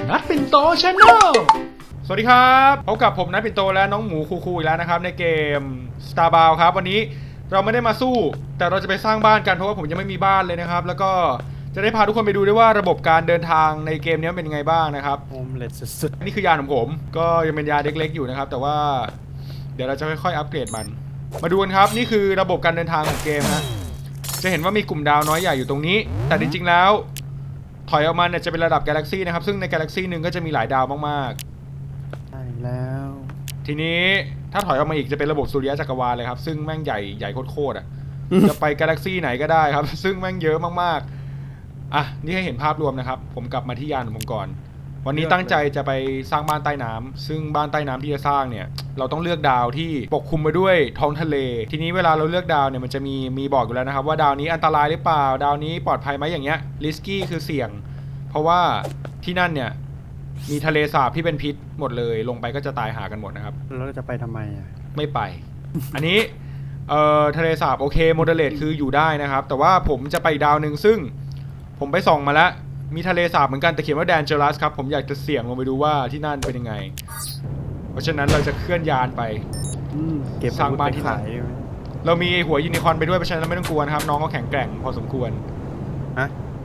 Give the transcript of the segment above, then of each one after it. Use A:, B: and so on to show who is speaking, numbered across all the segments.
A: นัทปิ่นโตชาแนลสวัสดีครับพบกับผมนัทปิ่นโตและน้องหมูคูอีกแล้วนะครับในเกม Starbound ครับวันนี้เราไม่ได้มาสู้แต่เราจะไปสร้างบ้านกันเพราะว่าผมยังไม่มีบ้านเลยนะครับแล้วก็จะได้พาทุกคนไปดูด้วยว่าระบบการเดินทางในเกมนี้เป็นยังไงบ้างนะครับ
B: โฮมเลสสุด
A: นี่คือยานของผมก็ยังเป็นยานเล็กๆอยู่นะครับแต่ว่าเดี๋ยวเราจะค่อยๆอัปเกรดมันมาดูกันครับนี่คือระบบการเดินทางของเกมนะจะเห็นว่ามีกลุ่มดาวน้อยใหญ่อยู่ตรงนี้แต่จริงๆแล้วถอยออกมาเนี่ยจะเป็นระดับกาแล็กซี่นะครับซึ่งในกาแล็กซี่หนึ่งก็จะมีหลายดาวมาก
B: ๆใช่แล้ว
A: ทีนี้ถ้าถอยออกมาอีกจะเป็นระบบสุริยะจักรวาลเลยครับซึ่งแม่งใหญ่โคตรอ่ะ จะไปกาแล็กซี่ไหนก็ได้ครับซึ่งแม่งเยอะมากๆอ่ะนี่ให้เห็นภาพรวมนะครับผมกลับมาที่ยานของผมก่อนวันนี้ตั้งใจจะไปสร้างบ้านใต้น้ำซึ่งบ้านใต้น้ำที่จะสร้างเนี่ยเราต้องเลือกดาวที่ปกคลุมไปด้วยท้องทะเลทีนี้เวลาเราเลือกดาวเนี่ยมันจะมีบอกอยู่แล้วนะครับว่าดาวนี้อันตรายหรือเปล่าดาวนี้ปลอดภัยไหมอย่างเงี้ยริสกี้คือเสี่ยงเพราะว่าที่นั่นเนี่ยมีทะเลสาบที่เป็นพิษหมดเลยลงไปก็จะตายหากันหมดนะครับ
B: แล้วเราจะไปทำไมอ่ะ
A: ไม่ไป อันนี้ทะเลสาบโอเคโมเดเลตคืออยู่ได้นะครับแต่ว่าผมจะไปดาวหนึ่งซึ่งผมไปส่องมาแล้วมีทะเลสาบเหมือนกันแต่เขียนว่าแดนเจอรัสครับผมอยากจะเสี่ยงลงไปดูว่าที่นั่นเป็นยังไงเพราะฉะนั้นเราจะเคลื่อนยานไป
B: เก็บ
A: สร้างบ้านที่นั่นเรามีหัวยูนิคอร์นไปด้วยเพราะฉะนั้นเราไม่ต้องกลัวนะครับน้องก็แข็งแกร่งพอสมควร
B: ฮะ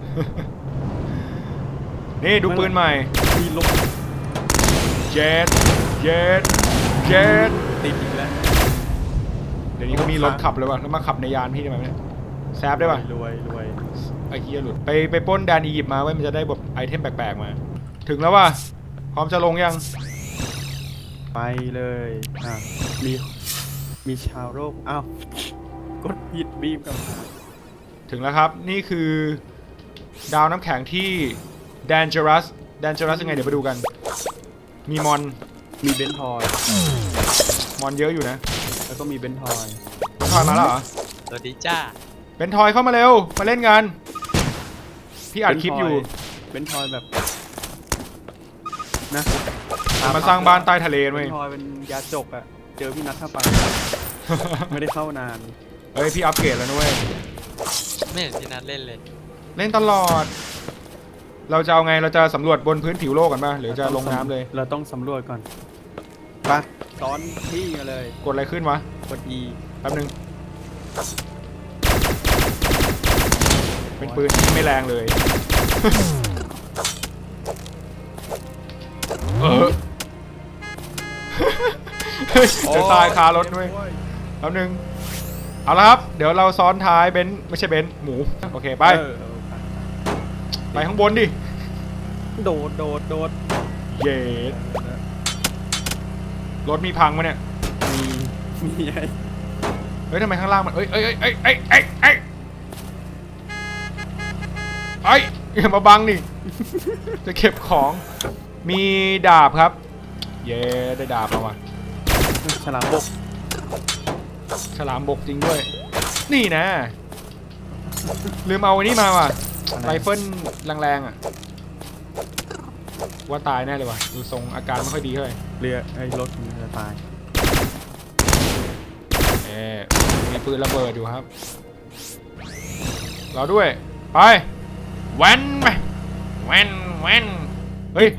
A: นี่ดูปืนใหม่
B: มีลม
A: เจ็ด
B: ติดอีกแล้ว
A: เดี๋ยวนี้ก็มีรถขับเลยว่ะแล้วมาขับในยานพี่ได้ไหมเนี่ยแซฟได้ป่ะ
B: รวย
A: ไอ้เหี้ยหลุดไปปล้นแดนอียิปต์มาไว้มันจะได้แบบไอเทมแปลกๆมาถึงแล้วว่ะพร้อมจะลงยัง
B: ไปเลยมีชาวโลกอ้าวกดผิดบีมกับ
A: ถึงแล้วครับนี่คือดาวน้ำแข็งที่แดนเจอรัสยังไงเดี๋ยวไปดูกันมีมอน
B: มีเบนทอย
A: มอนเยอะอยู่นะ
B: แล้วก็มีเบนทอย
A: มาแล้วเหรอ
C: สวัสดีจ้า
A: เบนทอยเข้ามาเร็วมาเล่นกันพี่อัดคลิปอยู่
B: เบนทอยแบบนะ
A: มาสร้างบ้านใต้ทะเลเว้ย
B: เบนทอยเป็นยาจกอะเจอพี่นัทเข้าไป ไม่ได้เข้านาน
A: เฮ้ยพี่อัปเกรดแล้วนุ้ย
C: ไม่เห็นพี่นัทเล่นเลย
A: เล่นตลอดเราจะเอาไงเราจะสำรวจบนพื้นผิวโลกกันป่ะหรือจะลงน้ำเลย
B: เราต้องสำรวจก่อนไปซ้อนที่มาเลย
A: กดอะไรขึ้นวะ
B: กด E
A: แป๊บนึงเป็นปืนที่ไม่แรงเลยจะตายคารถด้วยแป๊บนึงเอาละครับเดี๋ยวเราซ้อนท้ายเบนซ์ไม่ใช่เบนซ์หมูโอเคไปข้างบนดิ
B: โดด
A: เย็ดรถมีพังมั้ยเนี่ย
B: มีไง
A: เฮ้ยทำไมข้างล่างมันอย่ามาบังนี่จะเก็บของมีดาบครับเย้ได้ดาบมาว่ะ
B: ฉลามบ
A: กจริงด้วยนี่นะลืมเอาอันนี้มาว่ะไรเฟิลแรงๆอ่ะว่าตายแน่เลยว่ะดูทรงอาการไม่ค่อยดีเท่าไหร่
B: เรือไอ้รถมันจะตาย
A: มีปืนระเบิดอยู่ครับเราด้วยไปแว้นเฮ้ย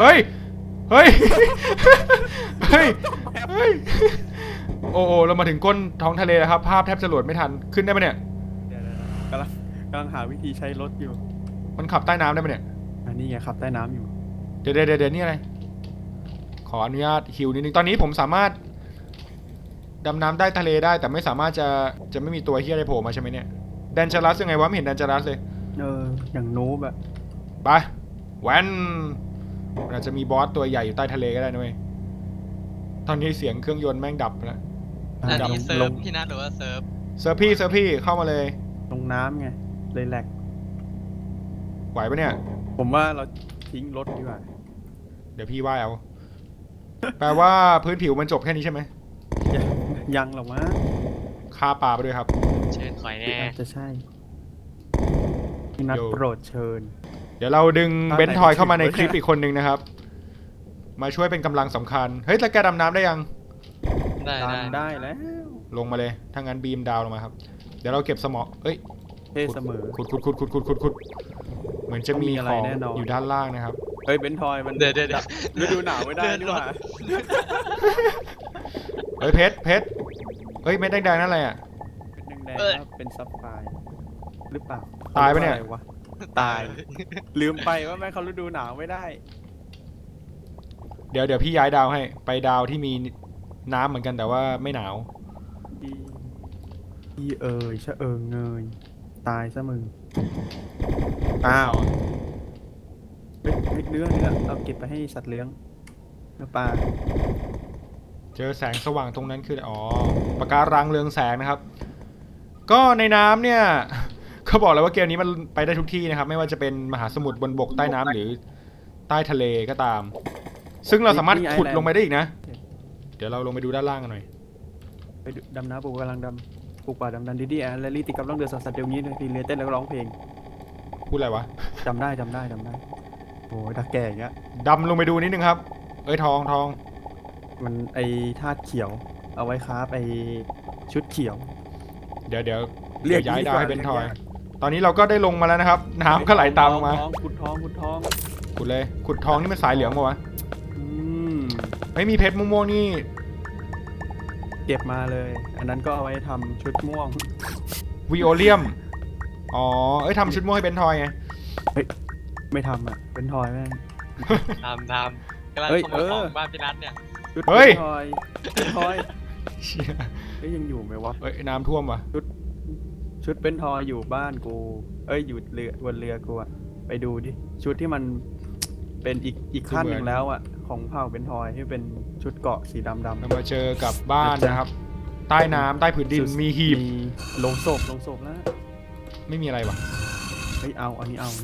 A: โอ้เรามาถึงก้นท้องทะเลแล้วครับภาพแทบจะโหลดไม่ทันขึ้นได้ไหมเนี่ย
B: กำลังหาวิธีใช้รถอยู่
A: มันขับใต้น้ำได้ไหมเนี่ย
B: อันนี้ไงขับใต้น้ำอยู่
A: เดี๋ยวนี่อะไรขออนุญาตฮิวนิดนึงตอนนี้ผมสามารถดำน้ำใต้ทะเลได้แต่ไม่สามารถจะไม่มีตัวเฮียอะไรโผล่มาใช่ไหมเนี่ยแดนจารัสยังไงวะไม่เห็นแดนจารัสเลย
B: อย่างนูบอะ
A: ไปแวนอาจจะมีบอสตัวใหญ่อยู่ใต้ทะเลก็ได้นะเว้ยตอนนี้เสียงเครื่องยนต์แม่งดับแล้ว
C: อันนี้เซิร์ฟพี่นัทหรือว่าเซิร์ฟ
A: พี่เข้ามาเลย
B: ลงน้ำไงเลยแหลก
A: ไหวปะเนี่ย
B: ผมว่าเราทิ้งรถดีกว่า
A: เดี๋ยวพี่ว่ายเอาแปลว่าพื้นผิวมันจบแค่นี้ใช่ไหม
B: ยังหรอวะ
A: ฆ่าปลาไปด้วยครับ
C: เชิญคอยแน่
B: จะใช่พี่นัทโปรดเชิญ
A: เดี๋ยวเราดึงเบนทอยเข้ามาในคลิปอีกคนนึงนะครับมาช่วยเป็นกำลังสำคัญเฮ้ยแล้วแกดำน้ำได้ยัง
B: ได้แล้ว
A: ลงมาเลยถ้างั้นบีมดาวลงมาครับเดี๋ยวเราเก็บสมอเอ้ย
B: เสมอ
A: ขุดเหมือนจะมีของอยู่ด้านล่างนะครับ
B: เฮ้ยเบนทอยมัน
C: เดี๋ยว
B: ฤดูหนาวไม่ได้นี่หว่า
A: เฮ้ยเพชรเฮ้ยเม็ดแดงๆนั่นอะไรอ่ะ
B: เป็นแดงๆว่าเป็นซับไฟร์หรือเปล่า
A: ตายปะเนี่ย
B: ขรีกว่อะไรวะตายลืมไปว่าแม่งเขาฤดูหนาวไม่ได้
A: เดี๋ยวพี่ย้ายดาวให้ไปดาวที่มีน้ำเหมือนกันแต่ว่าไม่หนาว
B: อีเอ๋ยชะเอิงเงยตายซะมึงอ้าวเฮ้ยเนื้อเอาเก็บไปให้สัตว์เลี้ยงเนื้อปลา
A: เจอแสงสว่างตรงนั้นคืออ๋อปะการังเรืองแสงนะครับ ก็ในน้ำเนี่ย เขาบอกแล้วว่าเกมนี้มันไปได้ทุกที่นะครับ ไม่ว่าจะเป็นมหาสมุทรบนบกใต้น้ำหรือใต้ทะเลก็ตาม ซึ่งเราสามารถขุดลงไปได้อีกนะ เดี๋ยวเราลงไปดูด้านล่างกันหน่อย
B: ไปดำน้ำปลูกกำลังดำปลูกป่าดำดันดีๆแลลี่ติดกับล่องเรือสัตว์เดี๋ยวนี้เลยทีเรือเต้นแล้วก็ร้องเพลง
A: พูดอะไรวะ
B: จำได้โอ้ยตาแก่อย่างเงี้ย
A: ดำลงไปดูนิดนึงครับ เอ้ยทอง
B: มันไอธาตุเขียว เอาไว้ครับไอชุดเขียว
A: เดี๋ยว
B: เรี
A: เดี๋
B: ย
A: ย
B: ก
A: วย้าย
B: ดีก
A: ดาว
B: ว่า
A: ให้เป็นทอย
B: เรียกยาก
A: ตอนนี้เราก็ได้ลงมาแล้วนะครับ น้ำก็ไหลตามลงมา
B: ขุดทอง
A: ขุดเลย ขุดทองนี่มันสายเหลืองปะวะ
B: อืม
A: ไม่มีเพชรม่วงๆนี่
B: เก็บมาเลย อันนั้นก็เอาไว้ทำชุดม่วง
A: วิโอเลียม อ๋อ เอ้ยทำชุดม่วงให้เป็นทอยไง
B: ไม่ทำอ่ะ เป็นทอยแม่ง
C: ทำกำลัง
B: เฮ้ย
C: ขโมยของ
B: เออ
C: บ้านพี่นัทเนี่ย
B: ชุด
A: เฮ้ย
B: เป็นทอย
A: เชี่ย
B: เอ้ยยังอยู่ไหมวะ
A: เอ้ยน้ำท่วมวะ
B: ชุดเป็นทอยอยู่บ้านกู เอ้ยอยู่เรือบนเรือกูอะไปดูดิ ชุดที่มันเป็นอีกขั้นหนึ่งแล้วอะของเผ่าเป็นทอยที่เป็นชุดเกราะสีดำ
A: เรามาเจอกับบ้านนะครับ ใต้น้ำใต้ผืนดินมีหีบ
B: มีโลงศพแล้ว
A: ไม่มีอะไรวะ
B: เฮ้ยเอาอันนี้เอา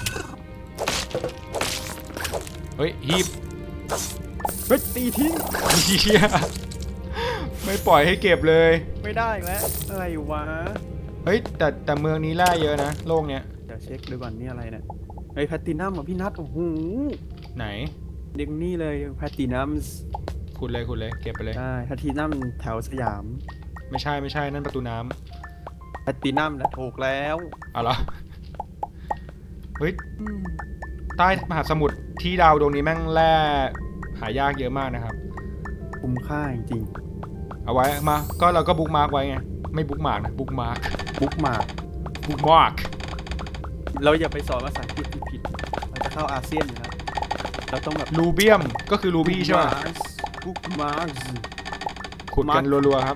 A: เฮ้ยหีบ
B: เฮ้ยตีทิ้ง
A: เชี่ยไม่ปล่อยให้เก็บเลย
B: ไม่ได้อีกแล้วอะไรวะ
A: เฮ้ยแต่เมืองนี้แร่เยอะนะโลกเนี้ย
B: เดี๋ยวเช็คดูก่อนนี่อะไรเนี่ยเฮ้ยแพตตินัมอ่ะพี่นัทโอ้โห
A: ไหน
B: เด็กนี่เลยแพตตินัม
A: ขุดเลยเก็บไปเลย
B: ใช่แพตตินัมแถวสยาม
A: ไม่ใช่นั่นประตูน้ำ
B: แพตตินัมนะถูกแล้ว
A: เอาเหรอเฮ้ยใต้มหาสมุทรที่ดาวดวงนี้แม่งแร่หายากเยอะมากนะครับ
B: คุ้มค่าจริง
A: เอาไว้มาก็เราก็บุ๊กมาร์กไว้ไงไม่บุ๊กมาร์กนะบุ๊กมาร์ก
B: ๆบุ๊กมาร์
A: บุ๊กมาร์ก
B: เราอย่าไปสอนภาษาอังกฤษผิดๆเราจะเข้าอาเซียนอยู่แล้วเราต้องแบบ
A: รูเบียมก็คือรูบี้ใช่ไหม
B: บุ๊กมาร์
A: ขุดกันรัวๆครับ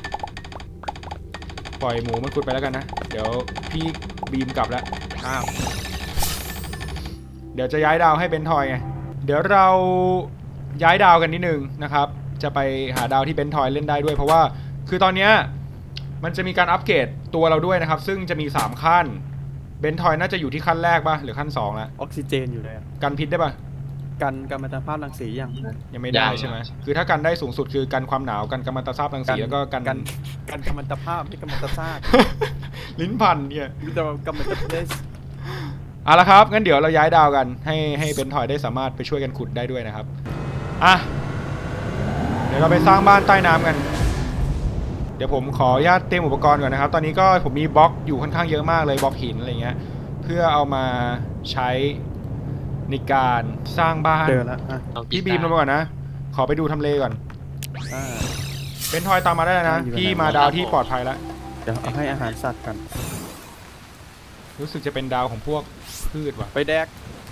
A: ปล่อยหมูมันขุดไปแล้วกันนะ เดี๋ยวพี่บีมกลับแล้ว
B: อ้าว
A: เดี๋ยวจะย้ายดาวให้เบนทอยไง เดี๋ยวเราย้ายดาวกันนิดนึงนะครับ จะไปหาดาวที่เบนทอยเล่นได้ด้วย เพราะว่าคือตอนเนี้ยมันจะมีการอัปเกรดตัวเราด้วยนะครับ ซึ่งจะมี3ขั้น เบนทอยน่าจะอยู่ที่ขั้นแรกป่ะหรือขั้น2แล้ว
B: ออกซิเจนอยู่เลยอะ
A: กันพิษได้ป่ะ
B: กันกัมมันตภาพรังสีอย่าง
A: ยังไม่ได้ใช่ไหมคือถ้ากันได้สูงสุดคือกันความหนาวกันกัมมันตภาพรังสีแล้วก็กัน
B: กันกัมมันตภาพไม่กัมมันตซาก
A: ลิ้นพันเนี่ย
B: มีแต่กัมมันตเพส
A: เอาละครับงั้นเดี๋ยวเราย้ายดาวกันให้เบนทอยได้สามารถไปช่วยกันขุดได้ด้วยนะครับอ่ะเดี๋ยวเราไปสร้างบ้านใต้น้ำกัน เดี๋ยวผมขออนุญาตเตรียมอุปกรณ์ก่อนนะครับ ตอนนี้ก็ผมมีบล็อกอยู่ค่อนข้างเยอะมากเลยบล็อกหินอะไรเงี้ยเพื่อเอามาใช้ในการสร้างบ้าน
B: เจอแล้วอ่ะ
C: เอา
A: พี่บีมลงมาก่อนนะขอไปดูทำเลก่อน
B: อ่า
A: เบนทอยตามมาได้แล้วนะ
B: อยู่ไหน
A: พี่มาดาวที่ปลอดภัยแล้ว
B: เดี๋ยวเอาให้อาหารสัตว์กัน
A: รู้สึกจะเป็นดาวของพวกพืชว่ะ
B: ไปแดก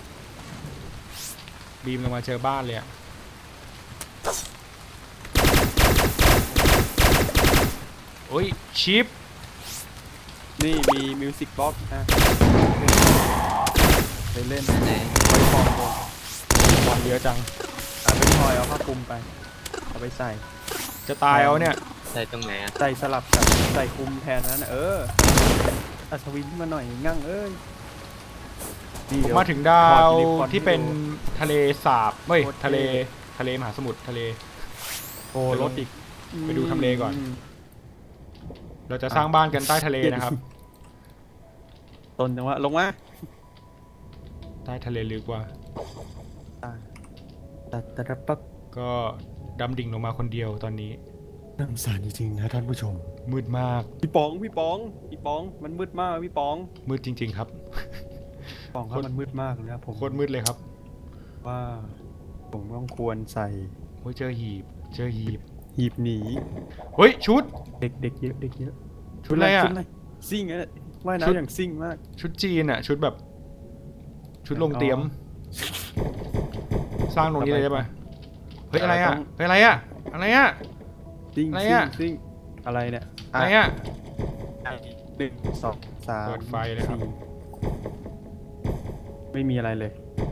A: บีมลงมาเจอบ้านเลยอะโอ้ยชิป
B: นี่มีมิวสิกบ็อกซ์นะไปเล่น
C: ไหน
B: ไปฟองโบ
A: บอลเยอะจัง
B: เป็นทอยเอาผ้าคลุมไปเอาไปใส่
A: จะตายเอาเนี่ย
C: ใส่ตรงไหนอ่ะ
B: ใส่สลับกับใส่คลุมแทนนั้นนะอัศวินขึ้นมาหน่อยงั่งเอ้ยนี่
A: ผม
B: เดี๋ยว
A: มาถึงดาว
B: ถอดยูนิคอร์น
A: ที่เป็น
B: ให้ดู
A: ทะเลสาบเฮ้ย
B: โคตรเท่
A: ทะเลมหาสมุทรทะเล
B: โอ้รถอีก
A: ไปดูทำเลก่อน
B: ม
A: เราจะสร้างบ้านกันใต้ทะเลนะครับ
B: ต้นจังหวะลงมา
A: ใต้ทะเลลึกว่า
B: ตัดปั๊บ
A: ก็ดำดิ่งลงมาคนเดียวตอนนี้
B: น้ำสารจริงๆนะท่านผู้ชม
A: มืดมาก
B: พี่ป๋องมันมืดมากพี่ป๋อง
A: มืดจริง ๆ ครับ
B: ป๋องครับมันมืดมากเลยนะผม
A: โคตรมืดเลยครับ
B: ว่าผมต้องควรใส่
A: โอ้ยเจอหีบ
B: หีบหนี
A: เฮ้ยชุด
B: เด็กเยอะเด็กเยอะ
A: ชุดอะไรอะ
B: ชุดอะไรซิ่งอะว่าย
A: ชุด
B: น้ำอย่างซิ่งมาก
A: ชุดจีนอะชุดแบบ ชุดลงเตรียม สร้างตรงนี้เลยได้ปะเฮ้ยอะไรอะเฮ้ยอะไรอะอะไรอะ
B: ซิ่ง
A: อะไร
B: ซิ่
A: อะ
B: งซิ่งอะไรเนี่ย
A: อะไรอะ
B: 1 2 3
A: เปิดไฟเลยครับ
B: 4ไม่มีอะไรเลย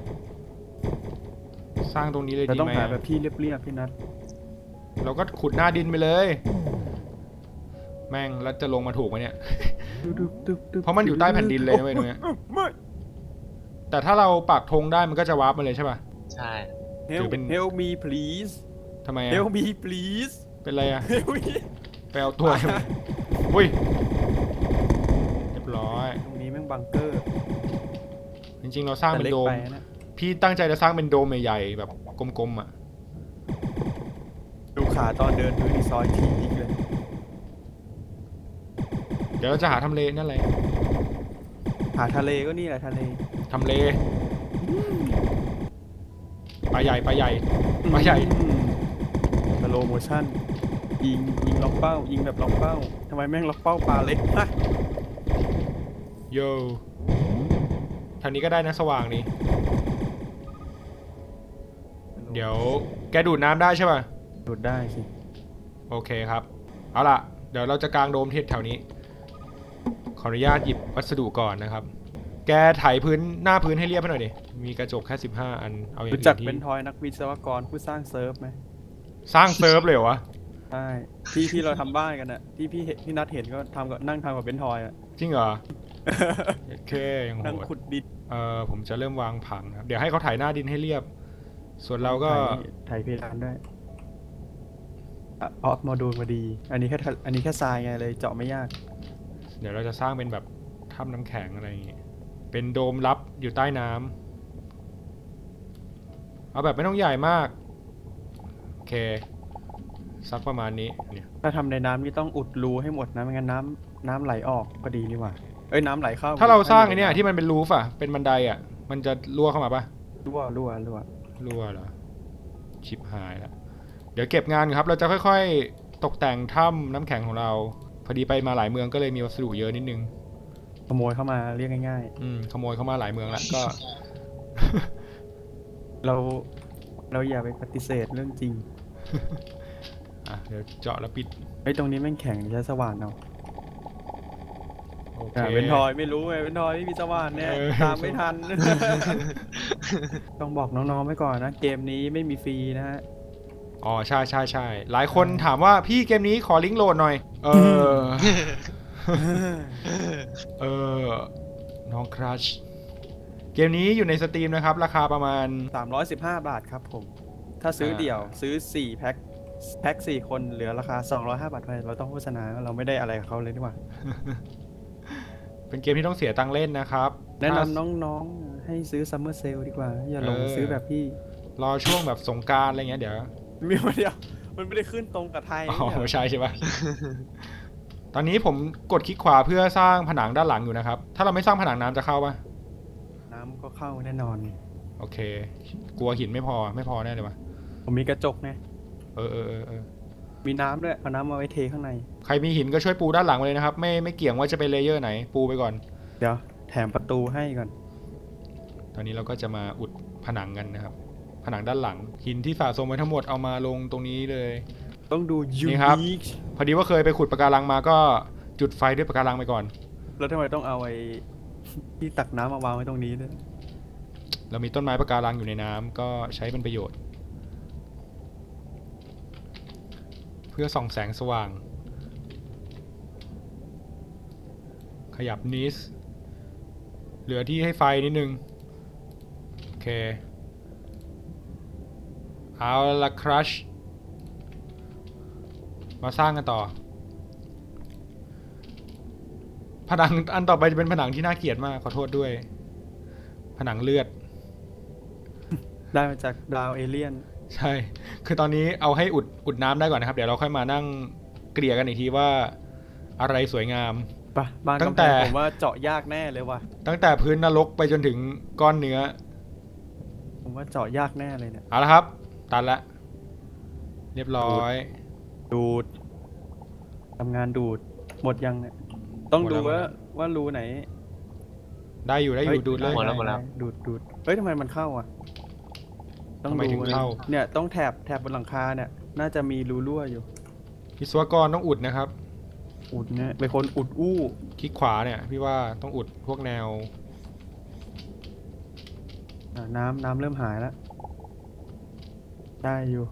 A: สร้างตรงนี้เลย
B: เรา
A: ดี
B: ต้อง
A: ไหม
B: หา
A: อะ
B: แบบที่เรียบๆพี่นัท
A: เราก็ขุดหน้าดินไปเลย แม่งแล้วจะลงมาถูกไหมเนี่ย เพราะมันอยู่ใต้แผ่นดินเลยนะเว้ยตรงเนี้ย
B: ไม่
A: แต่ถ้าเราปักธงได้มันก็จะวาร์ปมาเลยใช่ป่ะ
C: ใช่
A: ถือ
B: Help
A: เป็น
B: Help me please
A: ทำไมอะ
B: Help me please
A: เป็นไรอะ
B: Help me
A: ไปเอาตัวใช่ไหมอุ้ยเรียบร้อย
B: ตรงนี้แม่งบังเกอร์
A: จริงๆเราสร้าง
B: แต่
A: เป็น
B: เล็ก
A: โดม
B: ไปนะ
A: พี่ตั้งใจจะสร้างเป็นโดมใหญ่ๆแบบกลมๆอะ
B: ดูขาตอนเดินดูดีซอยทีอีกเลย
A: เดี๋ยวเราจะหาทำเลนั่นแหละ
B: หาทะเลก็นี่แหละทะเล
A: ทำเลปลาใหญ่ปลาใหญ่ปลาใหญ่
B: สโลโมชั่นยิงล็อกเป้า ยิงแบบล็อกเป้าทำไมแม่งล็อกเป้าปลาเล็กมาก
A: โยทางนี้ก็ได้นะสว่างนี่เดี๋ยวแกดูดน้ำได้ใช่ป่ะ
B: ดูดได้สิ
A: โอเคครับ เอาล่ะ เดี๋ยวเราจะกางโดมที่แถวนี้ ขออนุญาตหยิบวัสดุก่อนนะครับ แกไถพื้นหน้าพื้นให้เรียบให้หน่อยดิ มีกระจกแค่15 อัน เอาอย่าง
B: รู้
A: อื่
B: จัก
A: นที่
B: เป็นทอยนักวิศวกรผู้สร้างเซิร์ฟไหม
A: สร้างเซิร์ฟเลยเหรอวะ
B: ใช่ที่เราทำบ้านกันอะที่พี่นัทเห็นก็ทำกับนั่งทำกับเป็นทอยอะ
A: จริงเหรอ โอเคยังโห
B: นั่ง
A: ด
B: ขุดดิน
A: ผมจะเริ่มวางผังนะครับ เดี๋ยวให้เขาไถหน้าดินให้เรียบ ส่วนเราก็
B: ไถเพดานด้วยออฟโมดูลมาดี อันนี้แค่ทรายไงเลยเจาะไม่ยาก
A: เดี๋ยวเราจะสร้างเป็นแบบถ้ำน้ำแข็งอะไรอย่างงี้ เป็นโดมลับอยู่ใต้น้ำเอาแบบไม่ต้องใหญ่มาก โอเค สักประมาณนี้เนี่ย
B: ถ้าทำในน้ำนี่ต้องอุดรูให้หมดนะไม่งั้นน้ำไหลออกก็ดีนี่หว่าเอ้ยน้ำไหลเข้า
A: ถ้าเราสร้างไอ้เนี่ยที่มันเป็นรูฟอะเป็นบันไดอะมันจะรั่วเข้ามาปะ
B: รั่ว
A: รั่วเหรอ ชิบหายแล้ว เดี๋ยวเก็บงานครับ เราจะค่อยๆ ตกแต่งถ้ำน้ำแข็งของเรา พอดีไปมาหลายเมืองก็เลยมีวัสดุเยอะนิดนึง
B: ขโมยเข้ามาเรียกง่าย
A: ขโมยเข้ามาหลายเมืองแล้วก็
B: ๆเราอย่าไปปฏิเสธเรื่องจริง
A: เดี๋ยวเจาะแล้วปิด
B: ไอ้ยตรงนี้แม่งแข็งใช้สว่านเอา
A: โอเค
B: เป็นทอยไม่รู้ไงเป็นทอยไม่มีสว่านเนี่ย ตามไม่ทัน ต้องบอกน้องๆไว้ก่อนนะ เกมนี้ไม่มีฟรีนะฮะ
A: อ๋อใช่ใช่ใช่หลายคนถามว่าพี่เกมนี้ขอลิงก์โหลดหน่อย น้องครัชเกมนี้อยู่ในสตรีมนะครับ ราคาประมาณ
B: 315 บาทครับผม ถ้าซื้อเดี่ยวซื้อ4แพ็ค4คนเหลือราคา205 บาทไปเราต้องโฆษณาเราไม่ได้อะไรกับเขาเลยดีกว่า
A: เป็นเกมที่ต้องเสียตังค์เล่นนะครับ
B: แนะนำน้องๆให้ซื้อซัมเมอร์เซลดีกว่า อย่าหลงซื้อแบบพี่
A: รอช่วงแบบสงกรานต์อะไรเงี้ยเดี๋ยว
B: มีมาเดียวมันไม่ได้ขึ้นตรงกับไทย
A: อ๋อ
B: เนี่ย
A: ไม่ใช่ใช่ปะ ตอนนี้ผมกดคลิกขวาเพื่อสร้างผนังด้านหลังอยู่นะครับ ถ้าเราไม่สร้างผนังน้ำจะเข้าปะ
B: น้ำก็เข้าแน่นอน
A: โอเค กลัวหินไม่พอแน่เลยวะ
B: ผมมีกระจกไง
A: เออ
B: มีน้ำด้วยเอาน้ำมาไว้เทข้างใน
A: ใครมีหินก็ช่วยปูด้านหลังมาเลยนะครับ ไม่เกี่ยงว่าจะเป็นเลเยอร์ไหน ปูไปก่อน
B: เดี๋ยวแถมประตูให้ก่อน
A: ตอนนี้เราก็จะมาอุดผนังกันนะครับ ผนังด้านหลัง หินที่สะสมไว้ทั้งหมดเอามาลงตรงนี้เลย
B: ต้องดูยู
A: นี่ครับ
B: นิค
A: พอดีว่าเคยไปขุดปะการังมาก็จุดไฟด้วยปะการังไปก่อน
B: แล้วทำไมต้องเอาไอ้ที่ตักน้ำมาวางไว้ตรงนี้ด้วย
A: เรามีต้นไม้ปะการังอยู่ในน้ำก็ใช้เป็นประโยชน์ เพื่อส่องแสงสว่าง ขยับนิสเหลือที่ให้ไฟนิดนึง โอเค เอาละครัชมาสร้างกันต่อ ผนังอันต่อไปจะเป็นผนังที่น่าเกลียดมากขอโทษด้วย ผนังเลือด
B: ได้มาจากดาวเอเลี่ยน
A: ใช่ คือตอนนี้เอาให้อุดน้ำได้ก่อนนะครับ เดี๋ยวเราค่อยมานั่งเกลี่ยกันอีกทีว่าอะไรสวยงาม
B: ปะบ้าน
A: ตั้ง
B: กำ
A: แต่
B: แพงผมว่าเจาะยากแน่เลยว่ะ
A: ตั้งแต่พื้นนรกไปจนถึงก้อนเนื้อ
B: ผมว่าเจาะยากแน่เลยเนี่ย
A: เอาละครับ ตันละเรียบร้อย
B: ดูดทำงานดูดหมดยังเนี่ยต้อง
A: หมด
B: ดู
A: แล้ว
B: ว่ารูไหน
A: ได้อยู่
B: ฮ้
A: ดูดเลย
C: หมดแล้ว
B: ดูดเฮ้ยทำไมมันเข้าอ่ะ ต้อง
A: ทำไมถึงเข้า
B: เนี่ยต้องแถบบนหลังคาเนี่ย น่าจะมีรูรั่วอยู่
A: วิศวกรต้องอุดนะครับ
B: อุดเนี่ยเป็นคนอุดอู้
A: คลิกขวาเนี่ยพี่ว่าต้องอุดพวกแนว
B: น้ำเริ่มหายแล้ว ได้อยู่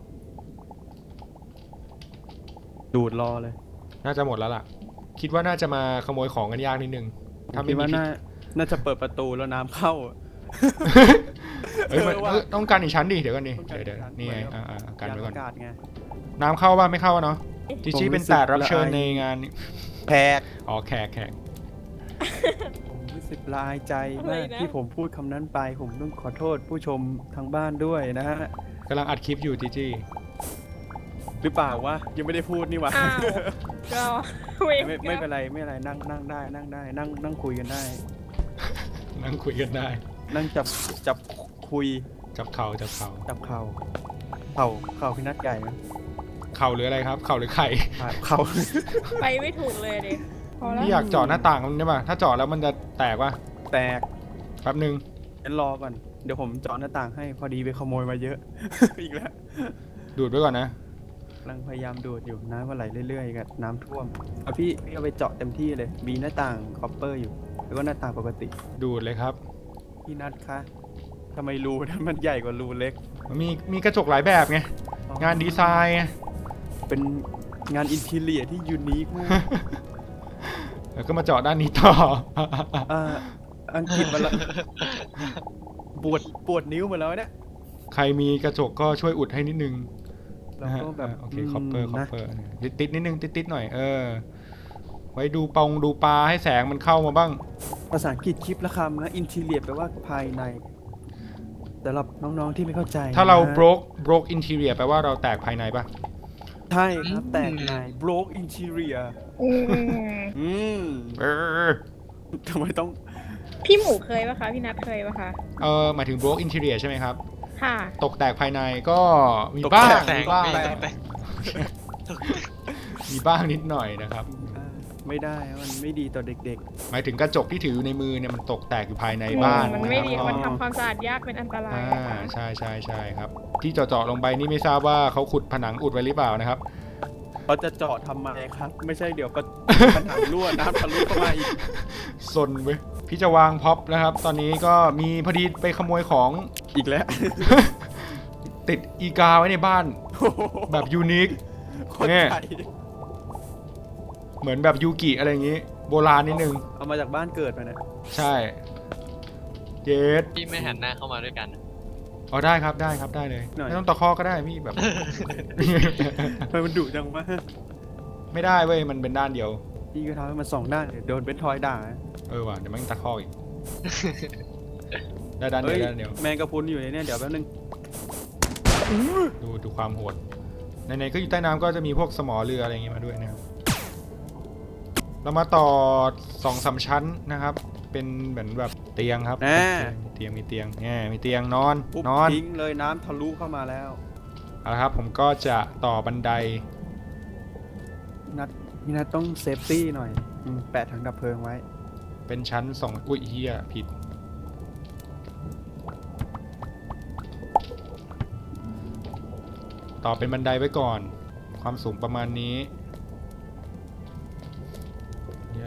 B: ดูดรอเลย
A: น่าจะหมดแล้วล่ะ คิดว่าน่าจะมาขโมยของกันยากนิดนึงถ้า
B: คิ
A: ไม่
B: ด
A: มี
B: ว่า
A: พิษ
B: น่าจะเปิดประตูแล้วน้ำเข้าอะ
A: เอ้ยมัน
B: ว่า
A: ต้องการอีกชั้นดิเดี๋ยวกันดิ
B: ต้องการ
A: เดี๋ยว
B: อีกชั้น
A: นี่ไง
B: เหมือนกับ
A: กันไว้ก่อน
B: ยานอากาศไง
A: น้ำเข้าป่ะไม่เข้าเนาะจี
B: ผม
A: จี้เป็น
B: รู้สึก
A: แขกรับเชิญ
B: ละอาย
A: ในงานนี้
B: แพก
A: อ๋อแขก
B: ผมรู้สึกละอายใจมาก
D: อะไรนะ
B: ที่ผมพูดคำนั้นไป ผมต้องขอโทษผู้ชมทางบ้านด้วยนะฮะ
A: กำลังอัดคลิปอยู่จีจี้
B: หรือเปล่าวะยังไม่ได้พูดนี่หวะ
D: อ้าวก็เวร
B: ไม่เป็นไรไม่เป็นไรนั่งได้นั่งคุยกันได้
A: นั่งคุยกันได้
B: นั่งจับคุย
A: จับเข่า
B: จับเข่าพี่นัดใหญ่ไหม
A: เข่าหรืออะไรครับ เข่าหรือไข่
B: เข่า
D: ไปไม่ถูกเลยดิพอแล้ว
A: พี่อยากเจาะหน้าต่างมันได้ป่ะถ้าเจาะแล้วมันจะแตกป่ะ
B: แตก
A: แป๊บนึง
B: งั้นรอก่อนเดี๋ยวผมเจาะหน้าต่างให้พอดีไปขโมยมาเยอะ อีกแล้ว
A: ดูดไว้ก่อนนะ
B: กำลังพยายามดูดอยู่น้ำก็ไหลเรื่อยๆกับน้ำท่วมเอาพี่เอาไปเจาะเต็มที่เลยมีหน้าต่างคอปเปอร์อยู่ แล้วก็หน้าต่างปกติ
A: ดูดเลยครับ
B: พี่นัทคะทำไมรูนั้นมันใหญ่กว่ารูเล็ก
A: มันมีกระจกหลายแบบไง งานดีไซน์ไง
B: เป็นงานอินทีเรียที่ยูนิคมาก
A: แล้วก็มาเจาะด้านนี้ต่อ
B: อ่าอังกฤษมาแล้วปวดนิ้วหมาแล้วเนี่ย
A: ใครมีกระจกก็ช่วยอุดให้นิดนึง
B: เราก็แบบ
A: โอเคคอปเปอร์
B: นะ
A: ติดนิดนึงติดหน่อยไว้ดูปลาให้แสงมันเข้ามาบ้าง
B: ภาษาอังกฤษคลิปละคำนะอินทีเรียแปลว่าภายในสำหรับน้องๆที่ไม่เข้าใจ
A: ถ้าเรา
B: นะ
A: broke interior แปลว่าเราแตกภายในป่ะ
B: ใช่ครับแตกใน broke interior
D: อืม
B: อืม
A: เออ
B: ทำไมต้อง
D: พี่หมูเคยปะคะพี่นัทเคยปะคะ
A: หมายถึง broke interior ใช่ไหมครับ
D: ค่ะ
A: ตกแตกภายในก็มีบ้าง
C: แตก
A: มีบ้าง
C: แตกแตก
A: มีบ้างนิดหน่อยนะครับ
B: ไม่ได้มันไม่ดีต่อเด็ก
A: หมายถึงกระจกที่ถืออยู่ในมือเนี่ยมันตกแตกอยู่ภายในบ้าน
D: มันไม่ดี
A: ะครับ
D: มันทำความสะอาดยากเป็นอันตราย
A: ใช่ครับ ที่เจาะลงไปนี่ไม่ทราบว่าเขาขุดผนังอุดไว้หรือเปล่านะครับ
B: ๆเขาจะเจาะทำไมครับ ไม่ใช่เดี๋ยวก็ผนังรั่วน้ำทะลุเข้ามาอีก
A: ซนเว้ยพี่จะวางพ็อปนะครับ ตอนนี้ก็มีพอดีไปขโมยของ
B: อีกแล้ว
A: ติดอีกาไว้ในบ้านแบบยูนิค
B: คน
A: เนี่ย
B: ไทย
A: เหมือนแบบยูกิอะไรอย่างงี้ โบราณนิดนึง
B: เอามาจากบ้านเกิดมาเนี่ย
A: ใช่เยส
C: พี่ไม่หันหน้าเข้ามาด้วยกัน
A: อ๋อได้ครับได้เลย
B: หน่อย
A: ไม่ต้องตะคอกก็ได้พี่แบบ
B: ทำไมมันดุจังวะ
A: ไม่ได้เว้ยมันเป็นด้านเดียว
B: พี่ก็ทำให้มันสองด้านเดี๋ยวโดนเป็นทอยด่า
A: ว่ะเดี๋ยวมันตะคอกอีก ได้ด้านเดียวด้านเดียว
B: แมงกะพรุนอยู่ในเนี่ยเดี๋ยวแป๊บนึง
A: ดูความโหดในๆก็อยู่ใต้น้ำก็จะมีพวกสมอเรืออะไรอย่างงี้มาด้วยนะครับเรามาต่อ2-3 ชั้นนะครับ เป็นเหมือนแบบเตียงครับมีเตียงมีเตียงนอน
B: ปุ๊บ
A: นอน
B: ทิ้งเลยน้ำทะลุเข้ามาแล้ว
A: เอาละครับผมก็จะต่อบันได
B: พี่นัทต้องเซฟตี้หน่อยแปะถังดับเพลิงไว้
A: เป็นชั้น2อุ้ยเฮียผิดต่อเป็นบันไดไว้ก่อน ความสูงประมาณนี้เนี่ย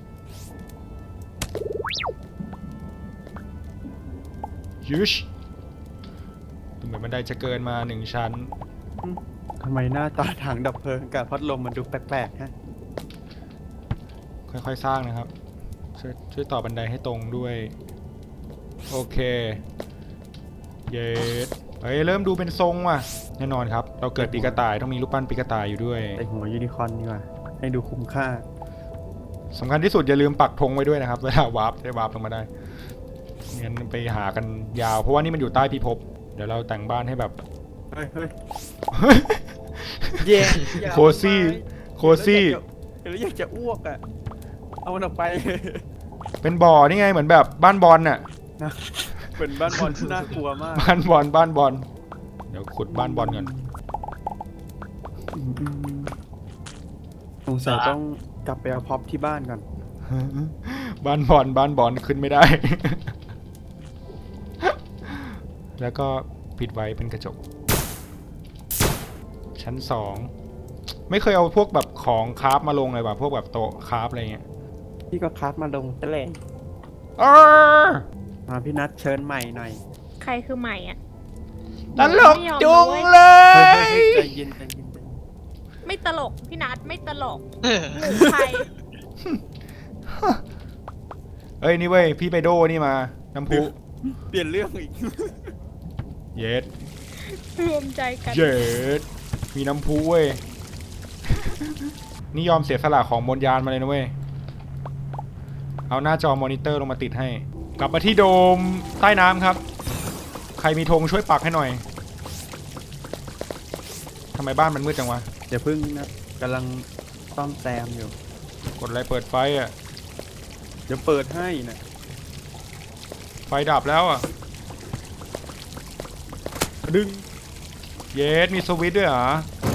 A: ยุชดูเหมือนบันไดจะเกินมา1 ชั้น
B: ทำไมหน้าตาถังดับเพลิงกับพัดลมมันดูแปลกๆฮะ
A: ค่อยๆสร้างนะครับช่วยต่อบันไดให้ตรงด้วย โอเคเยสเฮ้ยเริ่มดูเป็นทรงว่ะแน่นอนครับ เราเกิดปีกระต่ายต้องมีรูปปั้นปีกระต่ายอยู่ด้วย
B: ใส่หัวยูนิคอร์นดีกว่า ให้ดูคุ้มค่า
A: สำคัญที่สุดอย่าลืมปักธงไว้ด้วยนะครับ เวลาวาร์ปได้วาร์ปลงมาได้งั้นไปหากันยาว เพราะว่านี่มันอยู่ใต้พิภพเดี๋ยวเราแต่งบ้านให้แบบ
B: เฮ้ยแย่
A: โคซี่โคซี่
B: เดี๋ยวอยากจะอ้วกอ่ะ เอามันออกไป
A: เป็นบ่อนี่ไงเหมือนแบบบ้านบอลน่ะ
B: นะเป็นบ้านบอลที่น่ากลัวมาก
A: บ้านบอลบ้านบอลเดี๋ยวขุดบ้านบอลก่อน
B: สงสัยต้องกลับไปเอาพ็อปที่บ้านก่อน
A: บ้านบอลบ้านบอลขึ้นไม่ได้ แล้วก็ปิดไว้เป็นกระจก ชั้นสองไม่เคยเอาพวกแบบของคราฟมาลงเลยว่ะพวกแบบโต๊ะคราฟอะไรเงี้ย
B: พี่ก็คัดมาลงตะเลง
A: เออ
B: มาพี่นัทเชิญใหม่หน่อย
D: ใครคือใหม่อ่ะ
A: ตลกจุงเล
B: เฮ้ย
A: ย
B: ใจเย็นใจเย็นใจเย็น
D: ไม่ตลกพี่นัทไม่ตลกหมูใคร
A: เอ้ยนี่เว้ยพี่ไปโดนี่มาน้ำพุ
B: เปลี่ยนเรื่องอีก
A: เย็ด
D: รวมใจกัน
A: เย็ดมีน้ำพุเว้ย นี่ยอมเสียสละของบนยานมาเลยนะเว้ย เอาหน้าจอมอนิเตอร์ลงมาติดให้ กลับมาที่โดมใต้น้ำครับ ใครมีธงช่วยปักให้หน่อย ทำไมบ้านมันมืดจังวะ
B: เดี๋ยวพึ่งนะกำลังซ่อมแซมอยู่
A: กดอะไรเปิดไฟอ่ะ
B: เดี๋ยวเปิดให้นะ
A: ไฟดับแล้วอ่ะ
B: ดึง
A: เยสมีสวิตช์ด้วยเหรอ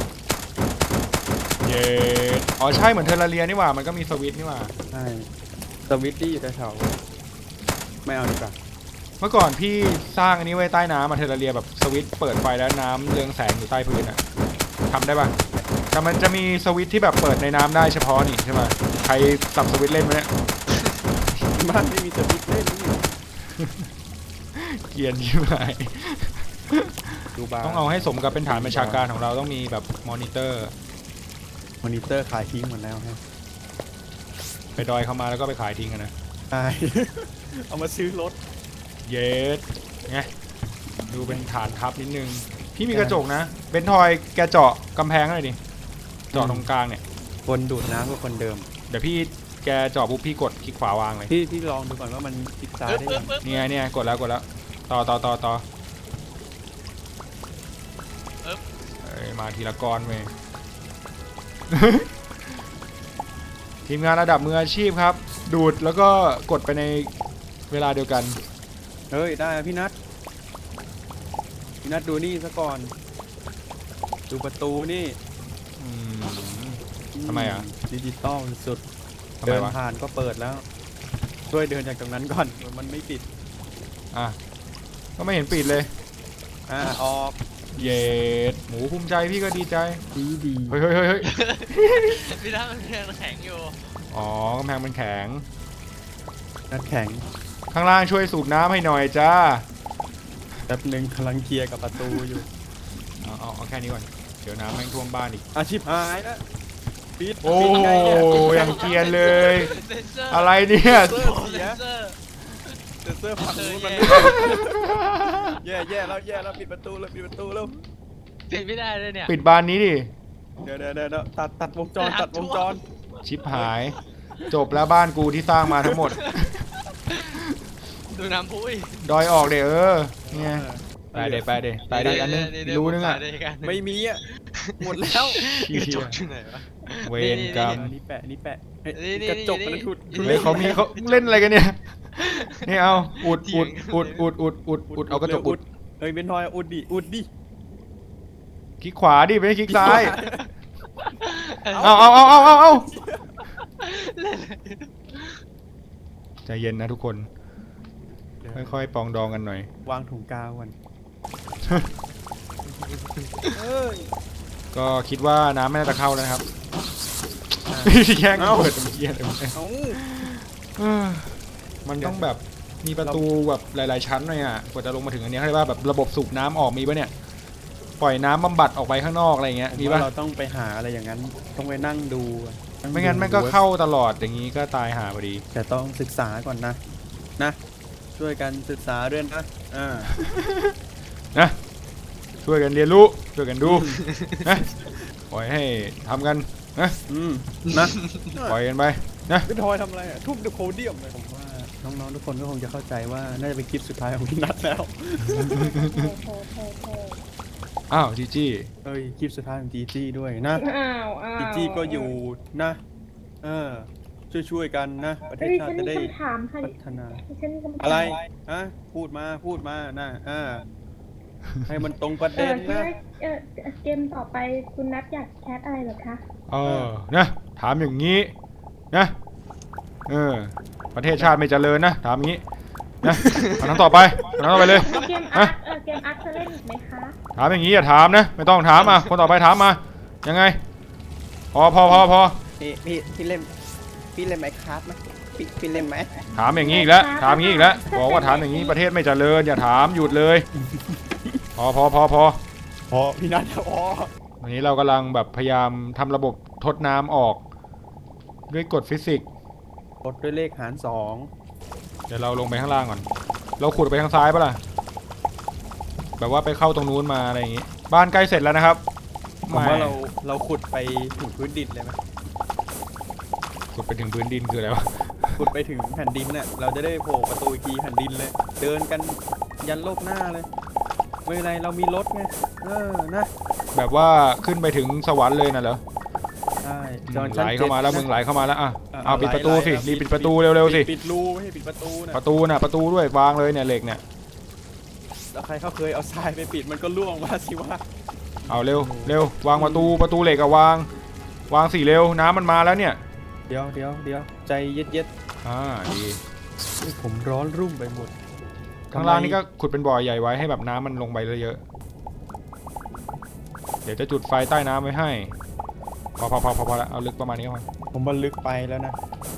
A: เยสอ๋อใช่เหมือนเทอร์ราเรียนี่หว่า มันก็มีสวิตช์นี่หว่า
B: ใช่สวิตตี้อยู่แถวๆไม่เอาดีกว่า
A: เมื่อก่อนพี่สร้างอันนี้ไว้ใต้น้ำมาเทอร์ราเรียแบบสวิตช์เปิดไฟแล้วน้ำเรืองแสงอยู่ใต้พื้นอ่ะทำได้ปะแต่มันจะมีสวิตช์ที่แบบเปิดในน้ำได้เฉพาะนี่ใช่ไหมใครสับสวิตช์เล่นไหมเนี่ย
B: บ้านไม่มีสวิตช์เล่นนี่
A: เกรียนยิ่งไป
B: ดูบ้าน
A: ต้องเอาให้สมกับเป็นฐานบัญชาการของเราต้องมีแบบมอนิเตอร์
B: มอนิเตอร์ขายทิ้งหมดแล้วฮะ
A: ไปดอยเข้ามาแล้วก็ไปขายทิ้งกันนะ
B: ใช่ เอามาซื้อรถ
A: เยสไงดูเป็นฐานทัพนิดนึง พี่มีกระจกนะเบนทอยแกเจาะกำแพงหน่อยดิเจาะตรงกลางเนี่ย
B: คนดูดน้ำก็คนเดิม
A: เดี๋ยวพี่แกเจาะปุ๊บพี่กดคลิกขวาวางเลย
B: พี่ลองดูก่อนว่ามันคลิกซ้าย
C: ปึ๊บ
B: ได้
C: ปึ๊
B: ยั
C: บ
B: ง
C: ปึ๊บ
A: เนี่ยกดแล้วต่อเอ้ยมาทีละก้อนเว้ย ทีมงานระดับมืออาชีพครับ ดูดแล้วก็กดไปในเวลาเดียวกัน
B: เฮ้ยได้อะพี่นัทดูนี่ซะก่อน ดูประตูนี่
A: อืม ทำไมอ่ะ
B: ดิจิตอลสุด
A: ทำไม
B: เดิน
A: วะ
B: ผ่านก็เปิดแล้วช่วยเดินจากตรงนั้นก่อนมันไม่ปิด
A: อ่ะก็ไม่เห็นปิดเลย
B: ออก
A: เย็ดหมูภูมิใจพี่ก็ดีใจ
B: ดี
A: เฮ้ย
C: พี่น้ำมันยังแข็งอยู่
A: อ๋อกำแพงมันแข็ง
B: นัดแข็ง
A: ข้างล่างช่วยสูบน้ำให้หน่อยจ้า
B: แป๊บหนึ่งกำลังเคลียร์กับประตูอยู่
A: เอาแค่นี้ก่อน เดี๋ยวน้ำแม่งท่วมบ้านอีก
B: อาชีพหายแล้วปิด
A: โอ้
B: ปิดไงเนี่ย
A: ยังเกรียนเลย
C: เซนเซอร์
A: อะไรเนี่ย
B: เซอ
C: โอ้
B: ร์
C: เซ
B: เสีย
C: นเซอร์
B: เซนเซอร์ฝั่งนู้นมัน
C: เซอร์
B: แย่แล้วปิดประตูแล้ว
C: ปิดไม่ได้เลยเนี่ย
A: ปิดบานนี้ดิ
B: เดี๋ยวตัดวงจร
C: ตัดวงจร
A: ชิปหาย จบแล้วบ้านกูที่สร้างมาทั้งหมด
C: ดูน้ำพุ้ย
A: ดอยออกเด้เนี่ยไปเด้อันนึงรู้นึงอ่ะ
B: ไม่มีอ่ะหมดแล้ว
A: ขี้
C: กระจ
A: เหี้ย
C: กอยู่ไหนวะ
A: เวรกรรม
B: นี่แปะเฮ้ย
C: นี่
B: กระจกมัน
C: นี่
B: ถุด
A: เฮ้ยเขาเล่นอะไรกันเนี่ยนี่เอาอุดเอากระจกอุด
B: เฮ้ยเบนทอยอุดดิ
A: คลิกขวาดิไม่ใช่คลิกซ้าย
C: เอา
A: เอาใจเย็นนะทุกคน ค่อยๆปองดองกันหน่อย
B: วางถุงกาวก่อน
A: ก็คิดว่าน้ำไม่น่าจะเข้าแล้วนะครับแย่งเปิดมันเกียร์เลย
B: เอ้า
A: มันต้องแบบมีประตูแบบหลายๆชั้นหน่อยอ่ะกว่าจะลงมาถึงอันนี้เขาเรียกว่าแบบระบบสูบน้ำออกมีปะเนี่ยปล่อยน้ำบำบัดออกไปข้างนอกอะไรอย่างเงี้ย
B: ผม
A: มี
B: ว่า
A: ปะ
B: เราต้องไปหาอะไรอย่างนั้น ต้องไปนั่งดู
A: ไม่งั้นมันก็เข้าตลอดอย่างนี้ก็ตายหาพอดี
B: แต่ต้องศึกษาก่อนนะ ช่วยกันศึกษาด้วยนะ
A: นะช่วยกันเรียนรู้ช่วยกันดูนะปล่อยให้ทำกันนะ
B: นะ
A: ปล่อยกันไปนะ
B: พี่ทอยทำอะไรอ่ะทุบเดอะโคเดียมเลยผมว่าน้องๆทุกคนก็คงจะเข้าใจว่าน่าจะเป็นคลิปสุดท้ายของพี่นัทแล้ว
A: อ้าวจีจี้
B: เอ้ยคลิปสุดท้ายของจีจี้ด้วยนะ
D: อ้าว
B: จีจี้ก็อยู่นะช่วยๆกันนะประเทศ
E: เฮ้ย
B: ชา
E: ฉั
B: ติ
E: น
B: จะ
E: มี
B: ได้
E: คำถามค่ะ
B: พัฒนา
E: ฉันมีคำถาม
B: อะไรฮะพูดมานะให้มันตรงประเด็นนะ
E: เกมต่อไปคุณนัทอยากแคสอะไรเหรอคะ
A: นะถามอย่างนี้นะประเทศชาติไม่เจริญนะถามอย่างนี้นะคำถามต่อไปเลย
E: เกมอาร์ตเกมอาร์ตจะเล่นอีกไหมคะ
A: ถามอย่างนี้อย่าถามนะไม่ต้องถามคนต่อไปถามมายังไงพอ
F: พี่เล่นไหมครับไหมพี่เล่นไหม
A: ถามอย่างนี้อีกแล้วบอกว่าถามอย่างนี้ประเทศไม่เจริญอย่าถามหยุดเลยพอ
B: พอพี่นัทพอ
A: วันนี้เรากำลังแบบพยายามทำระบบทดน้ำออกด้วยกฎฟิสิกส์
B: กดด้วยเลขหาร
A: เดี๋ยวเราลงไปข้างล่างก่อนเราขุดไปทางซ้ายปะล่ะแบบว่าไปเข้าตรงนู้นมาอะไรอย่างงี้บ้านใกล้เสร็จแล้วนะครับ
B: 2ผมว่าเราขุดไปถึงพื้นดินเลยไหม
A: ขุดไปถึงพื้นดินคืออะไรวะ
B: ขุดไปถึงแผ่นดินเนี่ยเราจะได้โผล่ประตูอีกทีแผ่นดินเลย เดินกันยันโลกหน้าเลยไม่เป็นไรเรามีรถไงนะ
A: แบบว่าขึ้นไปถึงสวรรค์เลยน่ะเหรอ
B: ใช่
A: ไหลเข้ามาแล้วมึงไหลเข้ามาแล้วเอาปิดประตูสิ
B: ไหล
A: รีบปิดประตูเร็วๆสิ
B: ปิดรูไม่ให้ปิดประตูนะ
A: ประตูด้วยวางเลยเนี่ยเหล็กเนี่ย
B: แล้วใครเขาเคยเอาทรายไปปิดมันก็ล่วงมาสิวะ
A: เอาเร็ววางประตูเหล็กอะวางสิเร็วน้ำมันมาแล้วเนี่ย
B: เดี๋ยวใจเย็ด
A: ดี
B: ๆผมร้อนรุ่มไปหมด
A: ข้างล่างนี่ก็ขุดเป็นบ่อใหญ่ไว้ให้แบบน้ำมันลงไปเยอะๆเดี๋ยวจะจุดไฟใต้น้ำไว้ให้พอแล้วเอาลึกประมาณนี้ก่อน
B: ผมบันลึกไปแล้วนะ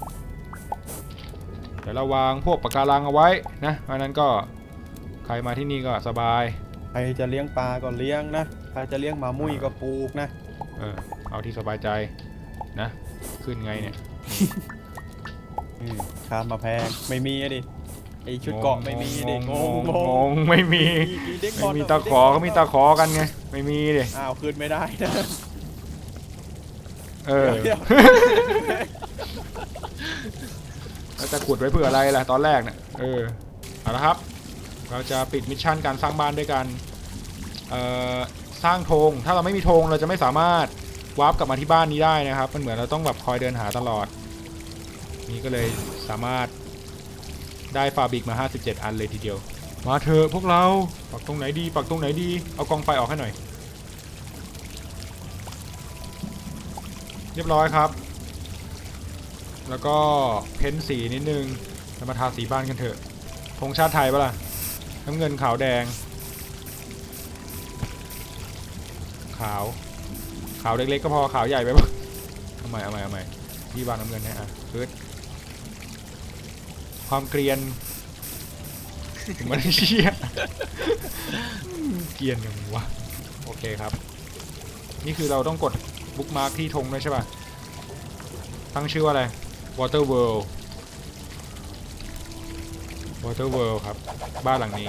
A: เดี๋ยวเราวางพวกปะการังเอาไว้นะเพราะนั้นก็ใครมาที่นี่ก็สบาย
B: ใครจะเลี้ยงปลาก็เลี้ยงนะใครจะเลี้ยงหมามุ้ยก็ปลูกนะ
A: เอาที่สบายใจนะขึ้นไงเนี่ย
B: ข้ามมาแพงไม่มีอะดิไอชุดเกาะไม่มีดิง
A: ไม่มี
B: เด็กบ
A: ไม่
B: อล
A: มีตะขอก็มีตะขอกันไงไม่มีดิ
B: อ้าวคืนไม่ได้นะ เดี๋ยว
A: แล้วจะขุดไว้เพื่ออะไรล่ะตอนแรกเนี่ยเอาละครับเราจะปิดมิชชั่นการสร้างบ้านด้วยกันสร้างธงถ้าเราไม่มีธงเราจะไม่สามารถวาร์ปกลับมาที่บ้านนี้ได้นะครับมันเหมือนเราต้องแบบคอยเดินหาตลอดนี่ก็เลยสามารถได้ฟาบิกมา57อันเลยทีเดียวมาเถอะพวกเราปักตรงไหนดีเอากองไฟออกให้หน่อยเรียบร้อยครับแล้วก็เพ้นสีนิดนึงจะมาทาสีบ้านกันเถอะธงชาติไทยปะล่ะน้ำเงินขาวแดงขาวเล็กๆก็พอขาวใหญ่ไปปะเอาใหม่ที่บ้านน้ำเงินเนี่ยคือความเกรียนมันเชี่ยเกรียนยังวะโอเคครับนี่คือเราต้องกดบุ๊กมาร์คที่ธงด้วยใช่ป่ะตั้งชื่อว่าอะไร Water World ครับบ้านหลังนี้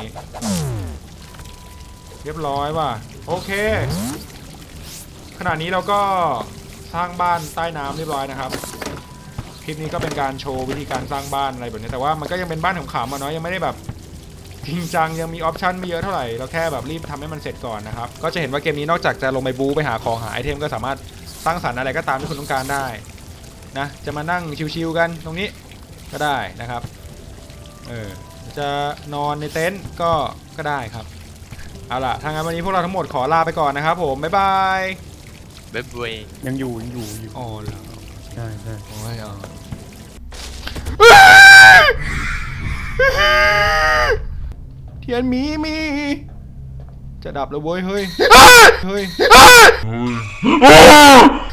A: เรียบร้อยว่ะโอเคขณะนี้เราก็สร้างบ้านใต้น้ำเรียบร้อยนะครับคลิปนี้ก็เป็นการโชว์วิธีการสร้างบ้านอะไรแบบนี้แต่ว่ามันก็ยังเป็นบ้านขำๆมาเนาะยังไม่ได้แบบจริงจังยังมีออปชันไม่เยอะเท่าไหร่เราแค่แบบรีบทำให้มันเสร็จก่อนนะครับก็จะเห็นว่าเกมนี้นอกจากจะลงไปบู๊ไปหาของหาไอเทมก็สามารถสร้างสรรค์อะไรก็ตามที่คุณต้องการได้นะจะมานั่งชิวๆกันตรงนี้ก็ได้นะครับจะนอนในเต็นท์ก็ได้ครับเอาล่ะทางงานวันนี้พวกเราทั้งหมดขอลาไปก่อนนะครับผมบ๊ายบาย
C: เว็บเวย
B: ยังอยู่
A: อ๋อเหรอ
B: ใช่
A: โอ้ยเทียนมีจะดับแล้วเว้ยเฮ้ย